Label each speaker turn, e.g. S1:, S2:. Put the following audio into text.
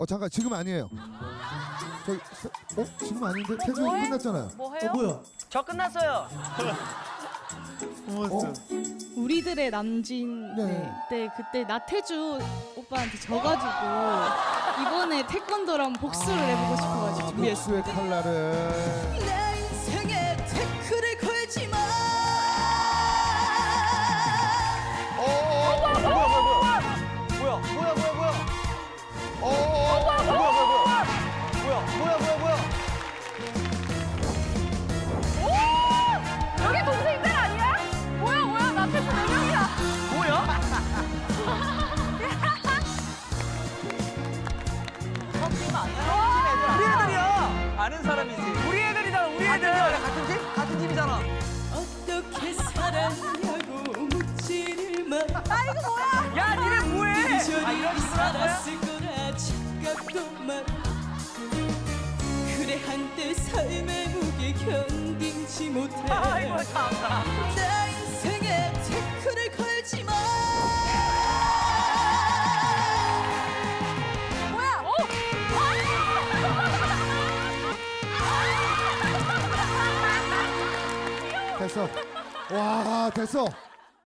S1: 잠깐 지금 아니에요. 지금 아닌데 태주 끝났잖아요.
S2: 뭐 해요?
S1: 뭐야?
S2: 저 끝났어요.
S3: 우리들의 남진
S1: 네.
S3: 때 그때 나태주 오빠한테 져가지고 이번에 태권도로 한번 복수를 해보고 싶어가지고 준비했어요.
S1: 복수의 칼날을.
S3: 내 인생에 태클을 걸지 마.
S4: 여기 동생들 아니야? 뭐야 나 태주 4명이야.
S2: 뭐야? 우리 애들이야. 아는 사람이지. 우리 애들이잖아. 우리 애들. 같은 팀? 같은 팀이잖아.
S3: 어떻게 살았냐고 묻지를 마.
S4: 아 이거 뭐야?
S2: 야, 니네 뭐해? 이런 식으로 할 거야?
S3: 살았을 거라 착각도 마. 그래 한때 삶의 무게 견디지 못해.
S2: 아이고, 참다.
S3: 내 인생에 태클을 걸지 마.
S4: 뭐야?
S1: 됐어. 와 됐어.